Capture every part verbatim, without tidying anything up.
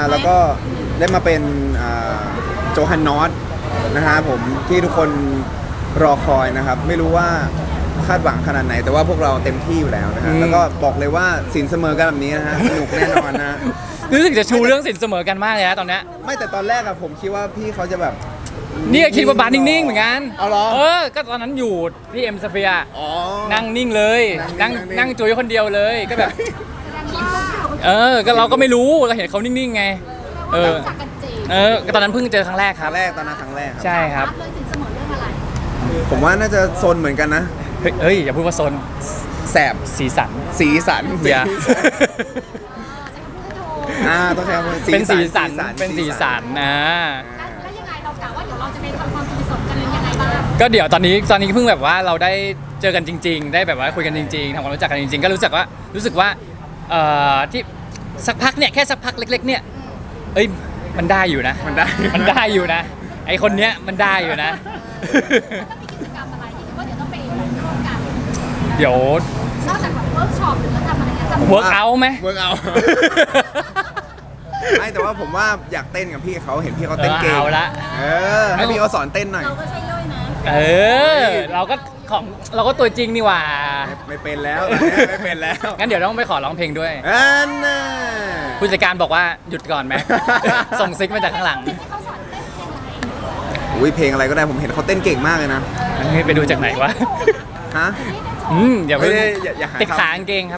แล้วก็ได้มาเป็นโจฮันนอตนะฮะผมที่ทุกคนรอคอยนะครับไม่รู้ว่าคาดหวังขนาดไหนแต่ว่าพวกเราเต็มที่อยู่แล้วนะฮะแล้วก็บอกเลยว่าสินเสมอกันแบบนี้นะฮะสนุกแน่นอนนะรู้สึกจะชูเรื่องสินเสมอกันมากเลยนะตอนเนี้ยไม่แต่ตอนแรกอะผมคิดว่าพี่เขาจะแบบนี่ก็คิดว่าบาร์นิ่งๆเหมือนกันเอาเหรอเออก็ตอนนั้นอยู่ที่เอ็มสเฟียร์อ๋อนั่งนิ่งเลยนั่งนั่งนั่งจุยคนเดียวเลยก็แบบเออก็เราก็ไม่รู้เราเห็นเขานิ่งๆไงเออเออตอนนั้นเพิ่งเจอครั้งแรกคครัรั้บงแรกตอนนั้นครั้งแรกครับใช่ครับเลยสินเสมอเรื่องอะไรผมว่าน่าจะโซนเหมือนกันนะเฮ้ยเฮ้ยอย่าพูดว่าโซนแสบสีสันสีสันอย่าอ่าต้องใช้คำว่าเป็นสีสันเป็นสีสันนะแล้วยังไงเรากะว่าเดี๋ยวเราจะไปทำความสนิทสนมกันยังไงบ้างก็เดี๋ยวตอนนี้ตอนนี้เพิ่งแบบว่าเราได้เจอกันจริง ๆ ได้แบบว่าคุยกันจริงๆทำความรู้จักกันจริงๆก็รู้สึกว่ารู้สึกว่าเอ่อที่สักพักเนี่ยแค่สักพักเล็ก ๆ เนี่ยเอ้ยมันได้อยู่นะมันได้มันได้อยู่นะไอคนเนี้ยมันได้อยู่นะแล้วมีกิจกรรมอะไรที่ว่าเดี๋ยวต้องไปร่วมกันเดี๋ยวนอกจากแบบเวิร์กช็อปหรือว่าทำอะไรนะทำเวิร์กเอาไหมเวิร์กเอา ไม่แต่ว่าผมว่าอยากเต้นกับพี่เขาเห็นพี่เขาเต้นเก่งเอาละเออให้พี่เขาสอนเต้นหน่อยเราก็ใช่ย่อยนะเออเราก็ของเราก็ตัวจริงนี่หว่าไม่เป็นแล้วไม่เป็นแล้วงั้นเดี๋ยวต้องไปขอร้องเพลงด้วยอันน่ะผู้จัดการบอกว่าหยุดก่อนไหม ส่งซิกมาจากข้างหลังที่เขาสอนเต้นเพลงอะไรอุ้ยเพลงอะไรก็ได้ผมเห็นเขาเต้นเก่งมากเลยนะเฮ้ยไปดูจากไหนวะฮะอืมอย่าเพิ่งไม่ได้อย่าอย่าหาติดขากางเกงครับ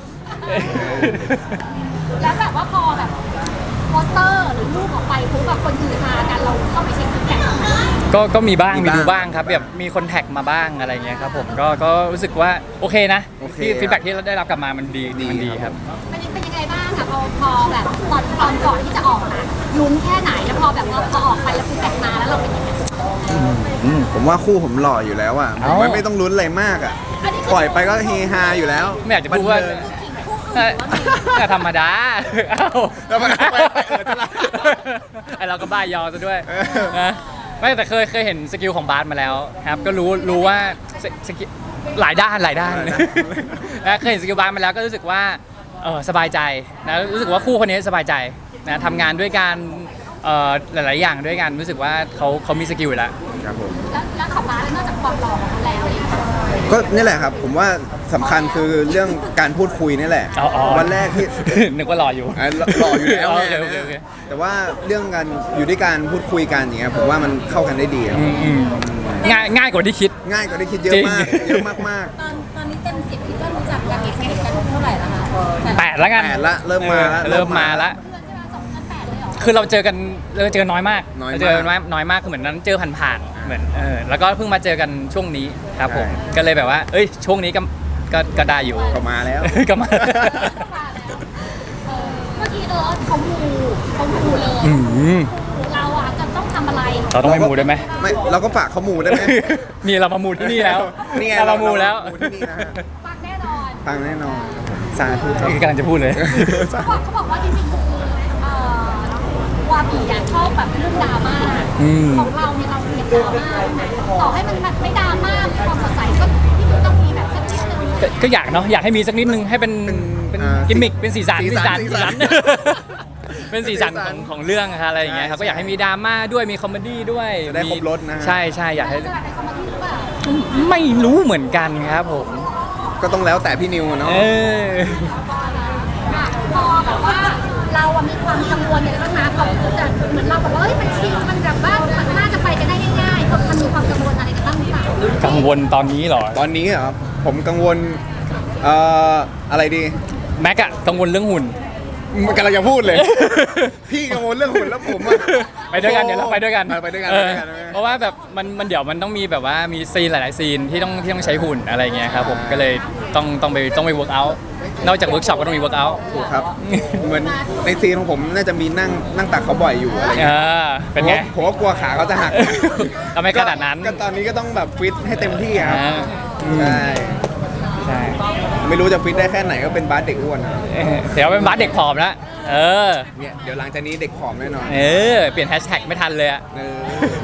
แล้วแบบว่าพอแบบโปสเตอร์หรือรูปออกไปปุ๊บแบบคนฮือฮากันเราเข้าไปเช็คฟีดแบ็กบ้างไหมก็ก็มีบ้างมีดูบ้างครับแบบมีคนแท็กมาบ้างอะไรเงี้ยครับผมก็ก็รู้สึกว่าโอเคนะที่ฟีดแบ็กที่เราได้รับกลับมามันดีมันดีครับเป็นเป็นยังไงบ้างคะพอพอแบบตอนตอนก่อนที่จะออกอะลุ้นแค่ไหนแล้วพอแบบว่าพอออกไปแล้วฟีดแบ็กมาแล้วเราเป็นยังไงอืมผมว่าคู่ผมหล่ออยู่แล้วอ่ะผเอ้ามไม่ต้องลุ้นอะไรมากอ่ะปล่อยไปก็เฮฮาอยู่แล้วไม่อยากจะพูดว่าบันเทิงแต่ธรรมดาเอ้าแล้วมันก็ไปเออจะละไอเราก็บ้ายอซะด้วยเออนะไม่แต่เคยเคยเห็นสกิลของบาสมาแล้วครับก็รู้รู้ว่าสสกิลหลายด้านหลายด้านหลายด้านนะเคยเห็นสกิลบาสมาแล้วก็รู้สึกว่าเออสบายใจนะรู้สึกว่าคู่คนนี้สบายใจนะทำงานด้วยกันเอ่อหลาย ๆ อย่างด้วยกันรู้สึกว่าเขาเขามีสกิลอยู่แล้วครับผมแล้วแล้วขับม้าแล้วนอกจากความหล่อของเขาแล้วเนี่ยก็นี่แหละครับ ผมว่าสำคัญคือเรื่องการพูดคุยนี่แหละอ๋ออ๋อวันแรกที่นึกว่ารออยู่อ่ะหล่ออยู่แล้วโอไงเคโอเคโอเคแต่ว่าเรื่องการอยู่ด้วยการพูดคุยกันอย่างเงี้ยผมว่ามันเข้ากันได้ดีครับอืมอืมง่ายง่ายกว่าที่คิดง่ายกว่าที่คิดเยอะมากจริงเยอะมากตอนตอนนี้เต็มสิบคิดว่ารู้จักกันสนิทกันเท่าไหร่แล้วคะแปดแล้วๆกันแปดละเริ่มมาละเออเริ่มมาละเพื่อนใช่ไหมสองเดือนแปดเลยเหรอคือเราเจอกันเราเจอกันน้อยมากน้อยมากเราเจอกันน้อยน้อยมากคือเหมือนนั้นเจอผ่านๆเหมือนเออแล้วก็เพิ่งมาเจอกันช่วงนี้ครับผมใช่ก็เลยแบบว่า เอ้ยช่วงนี้ก็ก็ก็ได้อยู่ก็มาแล้วก็มาเออเมื่อกี้เออเขามูเขามูเลยอืมเราอ่ะจะต้องทำอะไรเราต้องไปมูได้ไหมไม่เราก็ฝากเขาหมูได้ไหมนี่เรามามูที่นี่แล้วนี่ไงเรามามูแล้วเรามามูที่นี่นะฮะปังแน่นอนฟังแน่นอนสาธุครับกำลังจะพูดเลยเขาบอกเขาบอกว่าจริงๆคือเอ่อวาบีอ่ะชอบแบบเรื่องดราม่าอืมของเราเนี่ยเราเกลียดดราม่านะต่อให้มันแบบไม่ดราม่ามีความสดใสก็ที่มันต้องมีแบบสักนิดนึงก็ก็อยากเนาะอยากให้มีสักนิดนึงให้เป็นเป็นเป็นอ่ากิมมิคเป็นสีสันสีสันสีสันเป็นสีสันของของเรื่องอะอะไรอย่างเงี้ยครับใช่ก็อยากให้มีดราม่าด้วยมีคอมเมดี้ด้วยจะได้ครบรสนะฮะใช่ใช่อยากให้จะแบบในคอมเมดี้หรือเปล่าไม่รู้เหมือนกันครับผมก็ต้องแล้วแต่พี่นิวอะเนาะเอออ่ะพอแบบว่าเราอะมีความกังวลอย่างไรบ้างนะพอจะเหมือนเราบอกว่าเฮ้ยมันชิลมันแบบว่ามันน่าจะไปกันได้ง่ายๆมันมีความกังวลอะไรกันบ้างหรือเปล่ากังวลตอนนี้เหรอตอนนี้เหรอผมกังวลเอ่ออะไรดีแม็กอะกังวลเรื่องหุ่นมันกำลังจะพูดเลย พี่กังวลเรื่องหุ่นแล้วผมอะไปด้วยกันเดี๋ยวเราไปด้วยกันไปด้วยกันเอไปอด้วยกันเพราะว่าแบบมันมันเดี๋ยวมันต้องมีแบบว่ามีซีนหลาย ๆ ซีนที่ต้องที่ต้องใช้หุ่นอะไรเงี้ยครับผมก็เลยต้องต้องไปต้องไปเวิร์กอัลนอกจากเวิร์กช็อปก็ต้องมีเวิร์กอัลถูกครับ เหมือนในซีนของผมน่าจะมีนั่งนั่งตักเขาบ่อยอยู่อะไรเอเงี้ยอเป็นไงผมก็กลัวขาเขาจะหักทำไมขนาดนั้นก็ตอนนี้ก็ต้องแบบฟิตให้เต็มที่ครับอ่าใช่ใช่ไม่รู้จะฟิตได้แค่ไหนก็เป็นบาสเด็กอ้วนอะเออเดี๋ยวเป็นบาสเด็กผอมแล้วเออเนี่ยเดี๋ยวหลังจากนี้เด็กผอมแน่นอนเออเปลี่ยนแฮชแท็กไม่ทันเลยอะเออ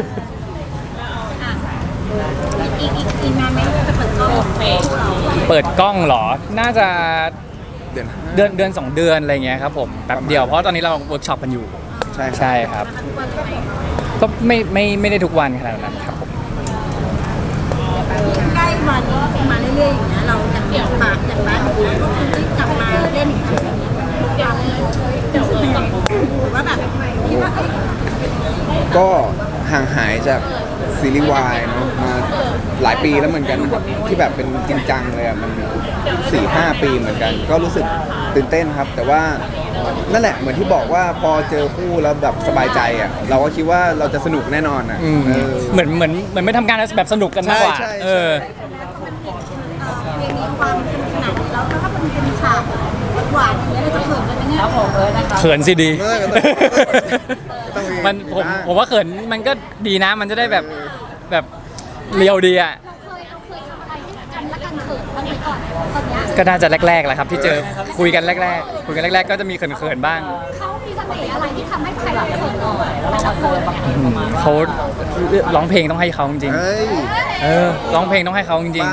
อีกอีกอีกนานไหมจะเปิดกล้องเฟซเราเปิดกล้องเหรอ น่าจะเดือนห้าเดือนเดือนสองเดือนอะไรเงี้ยครับผมแป๊บเดียวเพราะตอนนี้เราเวิร์กช็อปกันอยู่ใช่ช่ครับใช่ครับ ก็ไม่ไม่ไม่ได้ทุกวันขนาดนั้นครับผมใกล้วันมาเรื่อยๆอย่างเงี้ยเราอยากเดี่ยวปากอยากได้ก็คือที่กลับมาเล่นอีกครั้งอยากเดี๋ยวเลยหรือว่าแบบคิดว่าเอ้ยก็ห่างหายจากซีรีส์วายเนอะมาหลายปีแล้วเหมือนกันนะครับที่แบบเป็นจริงจังเลยอ่ะมันสี่ห้าปีเหมือนกัน ก็รู้สึกตื่นเต้นครับ แต่ว่านั่นแหละเหมือนที่บอกว่าพอเจอคู่แล้วแบบสบายใจอ่ะเราก็คิดว่าเราจะสนุกแน่นอนอ่ะอืมเออเหมือนเหมือนเหมือนไม่ทำงานแล้วแบบสนุกกันมากกว่าใช่ใช่ใช่เออเพลงนี้ความสนุกสนานแล้วถ้ามันเป็นฉากหวานอย่างเงี้ยเราจะเขินกันไหมเนี่ยเขินสิดีเออต้องมีมันผมนะผมว่าเขินมันก็ดีนะ มันจะได้แบบแบบเรียวดีอ่ะเราเคยเราเคยทำอะไรให้กันและกันเขินบ้างไหมก่อนตอนเนี้ยก็น่าจะแรกๆแหละครับ ที่เจอคุยกันแรกๆคุยกันแรก ๆ ก็จะมีเขินๆบ้างเขามีเสน่ห์อะไรที่ทำให้ใครเราเขินเราแต่ละคนเนี่ยอืมเขาร้องเพลงต้องให้เขาจริงเฮ้ยๆเออร้องเพลงต้องให้เขาจริงป้า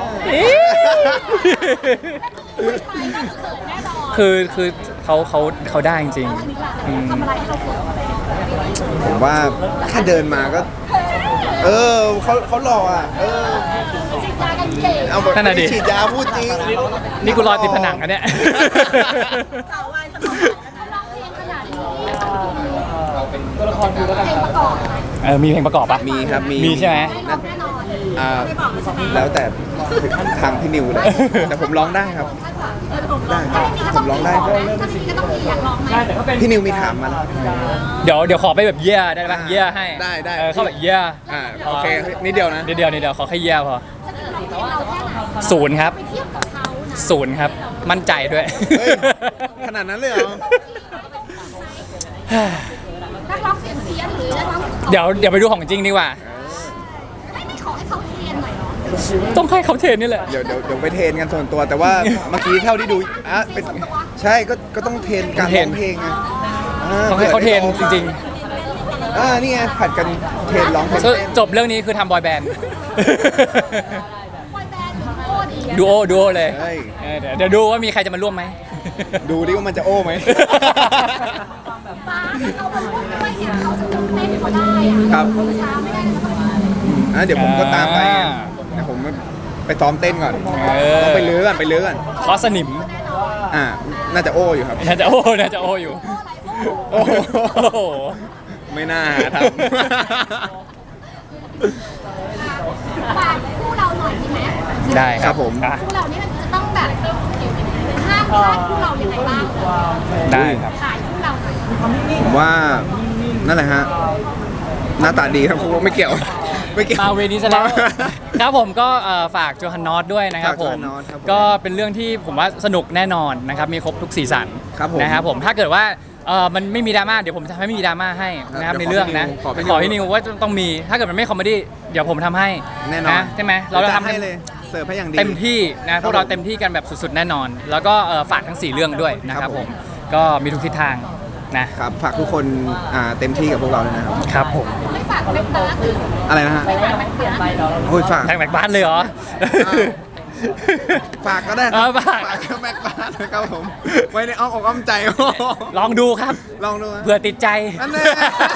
ใครก็เขินแน่นอนๆ คือคือเขาเขาเขาได้จริงอันนี้แหละทำอะไรให้เราเขินผมว่าแค่เดินมาก็ เออเขาเขาหล่ออ่ะ เออฉีดยากันเก่งเอาแบบนั่นน่ะดิฉีดยาพูดจริงนี่กูรอติดผนังอันเนี้ยสาววายสมองเขาร้องเพลงขนาดนี้เป็นตัวละครดูแล้วกันเพลงประกอบไหมเออมีเพลงประกอบปะมีครับมีมีใช่ไหมให้ร้องแน่นอนอ่าไม่บอกเลยใช่ไหมแล้วแต่ทางพี่นิวเลย แต่ผมร้องได้ครับเออผมลองได้ถ้าไม่มีก็ต้องมีถ้าไม่มีก็ต้องมีอยากร้องไหมพี่นิวมีถามมาแล้วเดี๋ยวเดี๋ยวขอไปแบบเยี่ยได้ปะเยี่ยให้ได้ได้เออเข้าแบบเยี่ยอ่าโอเคนิดเดียวนะนิดเดียวนิดเดียวขอแค่เยี่ยพอสกิลร้องเพลงเราแค่ไหนศูนย์ครับไปเทียบกับเขานะศูนย์ครับ มั่นใจด้วยเฮ้ย ขนาดนั้นเลยเหรอนักร้องเสียงเพี้ยนหรือนักร้องเสียงเพราะเดี๋ยวเดี๋ยวไปดูของจริงดีกว่าไม่ไม่ขอให้เขาเรียนหน่อยเหรอต้องให้เขาเทรนนี่แหละเดี๋ยวเดี๋ยวเดี๋ยวไปเทรนกันส่วนตัว แต่ว่าเมื่อกี้เท่าที่ดูอ่ะเป็นใช่ก็ก็ต้องเทรนการร้องเพลงไงาต้องให้เขาเทรนจริงอ่านี่ไงผัดกันเทรนร้องเพลงๆเต้นจบเรื่องนี้คือทำบอยแบนด์บอยแบนด์หรือโอ้ดีอะดูโอดูโอเลยเฮ้ยเออเดี๋ยวเดี๋ยวดูว่ามีใครจะมาร่วมไหมดูดิว่ามันจะโอ้ไหมป้าเขาไปพูดด้วยเนี่ยเขาจะตื่นเต้นเขาได้อะครับช้าไม่ได้นะต้องอ่ะเดี๋ยวผมก็ตามไปอ่าเดี๋ยวผมไปซ้อมเต้นก่อนเออต้องไปเลื้อก่อนไปเลื้อก่อนคอสนิมอ่า น่าจะโอ้อยู่ครับน่าจะโอน่าจะโออยู่โอ้โหโอ้โหไม่น่าทฝากคู่เราหน่อยดีไหมได้ำคครัรับบผมอ่ะคู่เรานี่มันจะต้องแบบห้ามพลาดคู่เรายังไงบ้างได้ครับขายคู่เราหน่อยผมว่านั่นแหละฮะ หน้าตาดีครับผมไม่เกี่ยว ไม่เกี่ยวมาเวนี้ซะแล้ว ครับผมก็เอ่อฝากโจฮันนอตด้วยนะครับฝากผโจมฮันนอตครับผมก็เป็นเรื่องที่ผมว่าสนุกแน่นอนนะครับมีครบทุกสีสันครับผมนะครับผมถ้าเกิดว่าเออมันไม่มีดราม่าเดี๋ยวผมจะทำให้ไม่มีดราม่าให้นะครับเดี๋ในยวขอเรื่องนะพี่นิวขขออพี่ให้นินิววว่าต้องมีถ้าเกิดมันไม่คอมเมดี้เดี๋ยวผมทำให้แน่นอนใช่ไหมเราจะทำให้เลย เสิร์ฟให้อย่างดีเต็มที่นะพวกเราเต็มที่กันแบบสุดๆแน่นอน แล้วก็เอ่อฝากทั้งสี่เรื่องด้วยนะคครัรับบ ผผม มก็มีทุกทิศทางนะครับ ฝากทุกคนอ่าเต็มที่กับพวกเราด้วยนะครับครับผมไม่ฝากแม็กบาร์หรืออะไรนะฮะไม่ฝากแม็กบาร์โอ้ยฝากแทงแบกบ้านเลยเหรออ้าว ฝากก็ได้คเอรัอฝากฝากกับแม็กบ้านนะครับผม ไว้ในอ้อมอกอ้อมใจลองดูครับลองดูฮะเผื่อติดใจอันนี้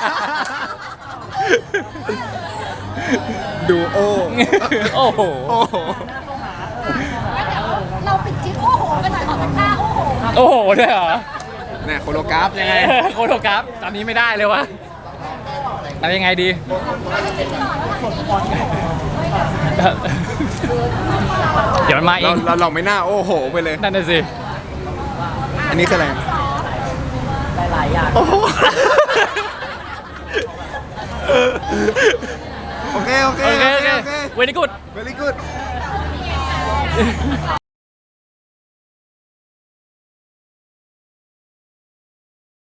ดูโอโอ้โหโอ้โหแล้วเดี๋ยวเราปิดคลิปโอ้โหกันหน่อยขอสักท่าโอ้โหโอ้โหด้วยเหรอเนี่ยโคโลกราฟยังไงโคโทกราฟตอนนี้ไม่ได้เลยวะเอายังไงดี เดี๋ยวมันมาเอเรางเราลองไม่น่าโอ้โหไปเลยนั่นน่ะสิอันนี้คืออะไรโอ้โหโอเค โอเคโอเคโอเคโอเคเวนิกุด very good